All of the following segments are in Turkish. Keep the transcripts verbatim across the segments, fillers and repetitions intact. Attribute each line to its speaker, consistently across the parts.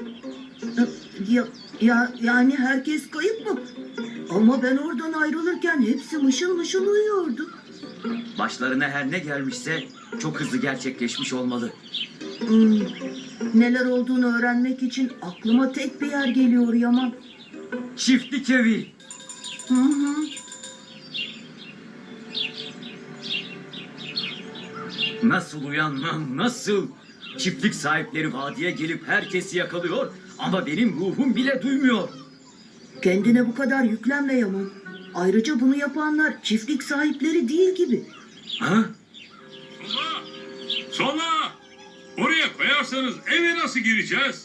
Speaker 1: Ya, ya yani herkes kayıp mı? Ama ben oradan ayrılırken hepsi mışıl mışıl uyuyordu.
Speaker 2: Başlarına her ne gelmişse çok hızlı gerçekleşmiş olmalı.
Speaker 1: Hmm, neler olduğunu öğrenmek için aklıma tek bir yer geliyor Yaman.
Speaker 2: Çiftlik evi.
Speaker 1: Hı hı.
Speaker 2: Nasıl uyanmam, nasıl? Çiftlik sahipleri vadiye gelip herkesi yakalıyor ama benim ruhum bile duymuyor.
Speaker 1: Kendine bu kadar yüklenme Yaman. Ayrıca bunu yapanlar çiftlik sahipleri değil gibi.
Speaker 2: Ha?
Speaker 3: Sola! Sola! Oraya koyarsanız eve nasıl gireceğiz?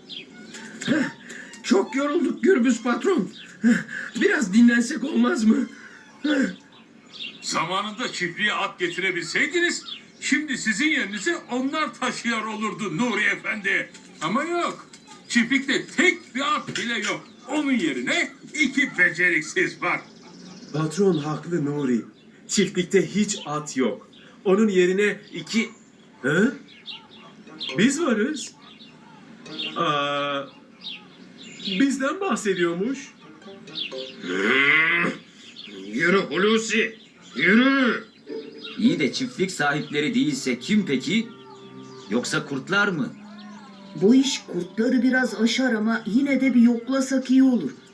Speaker 4: Çok yorulduk Gürbüz patron. Biraz dinlensek olmaz mı?
Speaker 3: Zamanında çiftliğe at getirebilseydiniz, şimdi sizin yerinize onlar taşıyor olurdu Nuri Efendi. Ama yok. Çiftlikte tek bir at bile yok. Onun yerine iki beceriksiz var.
Speaker 4: Patron haklı Nuri. Çiftlikte hiç at yok. Onun yerine iki... Hı? Biz varız. Aa, bizden bahsediyormuş.
Speaker 5: Yürü Hulusi, yürü.
Speaker 2: İyi de çiftlik sahipleri değilse kim peki? Yoksa kurtlar mı?
Speaker 1: Bu iş kurtları biraz aşar ama yine de bir yoklasak iyi olur.